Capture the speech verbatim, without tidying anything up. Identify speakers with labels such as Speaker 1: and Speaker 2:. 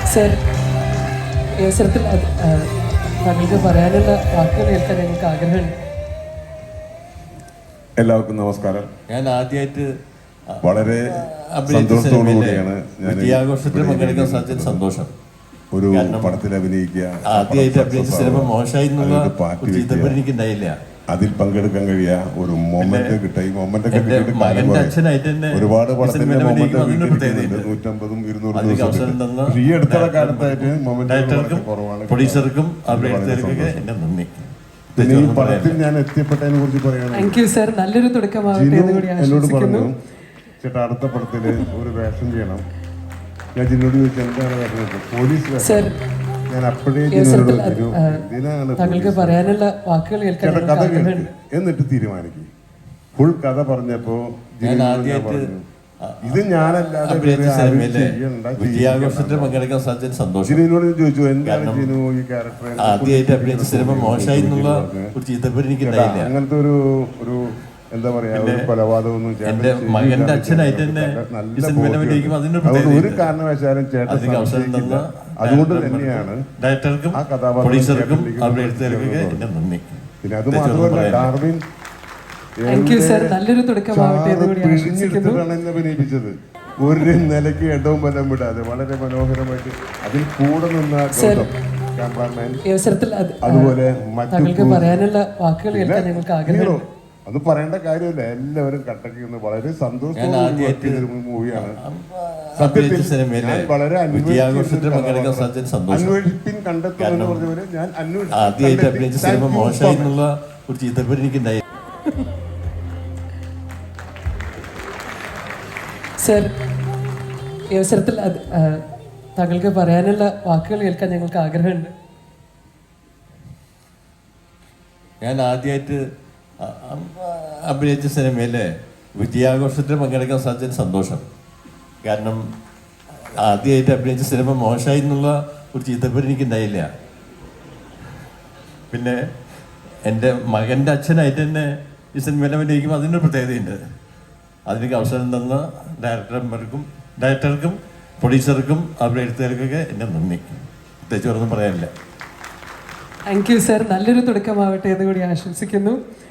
Speaker 1: Sir, ഈ അവസരത്തിൽ താങ്കൾക്ക് പറയാനുള്ള വാക്കുകൾ കേൾക്കാൻ ഞങ്ങൾക്ക് ആഗ്രഹമുണ്ട്.
Speaker 2: എല്ലാവർക്കും നമസ്കാരം.
Speaker 3: ഞാൻ ആദ്യമായിട്ട്
Speaker 2: വളരെ സന്തോഷത്തോടു കൂടിയാണ്
Speaker 3: വിജയാഘോഷത്തിൽ പങ്കെടുക്കാൻ സാധിച്ചത്. സന്തോഷം.
Speaker 2: ഒരു പടത്തിൽ അഭിനയിക്കുക,
Speaker 3: ആദ്യമായിട്ട് അഭിനയിച്ച സിനിമ മോശമായി എന്നുള്ള എനിക്ക് ഉണ്ടായില്ല.
Speaker 2: അതിൽ പങ്കെടുക്കാൻ കഴിയുക ഒരു മൊമെന്റ് കിട്ടുക. ഈ മൊമെന്റ് ഒക്കെ ഒരുപാട് പടത്തിന്റെ മൊമെന്റ് നൂറ്റമ്പതും ഇരുന്നൂറും ദിവസം ഈ അടുത്തുള്ള കാലത്തായിട്ട് മൊമെന്റ് കുറവാണ്.
Speaker 3: പ്രൊഡ്യൂസർക്കും എന്റെ നന്ദി.
Speaker 2: പിന്നെ ഈ പടത്തിൽ ഞാൻ എത്തിപ്പെട്ടതിനെ കുറിച്ച് പറയുകയാണെങ്കിൽ
Speaker 1: നല്ലൊരു തുടക്കമാവട്ടെ.
Speaker 2: എന്നോട് പറഞ്ഞു, ചേട്ടാ അടുത്ത പടത്തില് ഒരു വേഷം ചെയ്യണം. ഞാൻ ജിന്നോട് ചോദിച്ചു എന്താണ് പറഞ്ഞത്. പോലീസ് വേഷം. ഞാൻ അപ്പോഴേ
Speaker 1: താങ്കൾക്ക് പറയാനുള്ള വാക്കുകൾ കേൾക്കാൻ
Speaker 2: കഥ കേൾക്കും എന്നിട്ട് തീരുമാനിക്കും. ഫുൾ കഥ പറഞ്ഞപ്പോ ഇത് ഞാനല്ലാതെ
Speaker 3: വിജയാഘോഷത്തിൽ പങ്കെടുക്കാൻ സാധിച്ചത് സന്തോഷം.
Speaker 2: ജിനോട് ചോദിച്ചു എന്താണ് ജിനു ഈ ക്യാരക്ടർ
Speaker 3: ആദ്യമായിട്ട് അഭിനയിച്ച സിനിമ മോശമായി എന്നുള്ള ഒരു ചീത്തപ്പേര് എനിക്ക് ഉണ്ടായില്ല.
Speaker 2: അങ്ങനത്തെ ഒരു ഒരു എന്താ പറയാ ഒരു കൊലപാതകമൊന്നും
Speaker 3: എന്റെ മകന്റെ അച്ഛനായിട്ട് തന്നെ
Speaker 2: ഒരു കാരണവശാലും ചേട്ടൻ അതുകൊണ്ട് തന്നെയാണ്
Speaker 3: ഡയറക്ടർക്കും പ്രൊഡ്യൂസർക്കും അവരുടെ എഴുത്തുകാർക്കൊക്കെ എന്റെ നന്ദി.
Speaker 2: പിന്നെ അത് മാത്രമല്ല ഡാർവിൻ
Speaker 1: നല്ലൊരു തുടക്കമാവട്ടെ
Speaker 2: പിഴിഞ്ഞെടുത്തിട്ടാണ് എന്നെ അഭിനയിപ്പിച്ചത്. ഒരു നിലയ്ക്ക് ഇടവും വല്ലം വിടാതെ വളരെ മനോഹരമായിട്ട് അതിൽ കൂടെ നിന്ന ക്യാമറാമാൻ, അതുപോലെ
Speaker 1: താങ്കൾക്ക് പറയാനുള്ള വാക്കുകൾ കേൾക്കാൻ ഞങ്ങൾക്ക് ആഗ്രഹം.
Speaker 2: അത് പറയേണ്ട കാര്യമില്ല. എല്ലാവരും കട്ടക്കുന്ന വളരെ സന്തോഷത്തോടെ മൂവിയാണ്. സത്യത്തിൽ ഞാൻ വളരെ
Speaker 3: വിജയാഘോഷത്തിൽ പങ്കെടുക്കാൻ സാധിച്ചത് സന്തോഷം.
Speaker 2: അന്വേഷിപ്പിൻ കണ്ടെത്തുമെന്ന് പറഞ്ഞവരെ ഞാൻ
Speaker 3: ആദ്യമായിട്ട് അഭിനയിച്ച സിനിമ മോശമായി എന്നുള്ള ഒരു ചീത്തപ്പേര് എനിക്ക് ഉണ്ടായി.
Speaker 1: സർ, ഈ അവസരത്തിൽ താങ്കൾക്ക് പറയാനുള്ള വാക്കുകൾ കേൾക്കാൻ ഞങ്ങൾക്ക് ആഗ്രഹമുണ്ട്.
Speaker 3: ഞാൻ ആദ്യമായിട്ട് അഭിനയിച്ച സിനിമയിലെ വിജയാഘോഷത്തിൽ പങ്കെടുക്കാൻ സാധിച്ചത് സന്തോഷം. കാരണം ആദ്യമായിട്ട് അഭിനയിച്ച സിനിമ മോശമായി എന്നുള്ള ഒരു ചീത്തപ്പേര് എനിക്ക് ഉണ്ടായില്ല. പിന്നെ എൻ്റെ മകൻ്റെ അച്ഛനായിട്ട് തന്നെ ഈ സിനിമയിൽ അഭിനയിക്കുമ്പോൾ അതിനൊരു പ്രത്യേകതയുണ്ട്. അതിലേക്ക് അവസരം തന്ന ഡയറക്ടർമാർക്കും ഡയറക്ടർക്കും പ്രൊഡ്യൂസർക്കും അവരുടെ എഴുത്തുകാർക്കൊക്കെ എൻ്റെ നന്ദി. പ്രത്യേകിച്ച് ഒന്നും പറയാനില്ല.
Speaker 1: Thank you sir. നല്ലൊരു തുടക്കമാവട്ടെ എന്ന് കൂടി ആശംസിക്കുന്നു.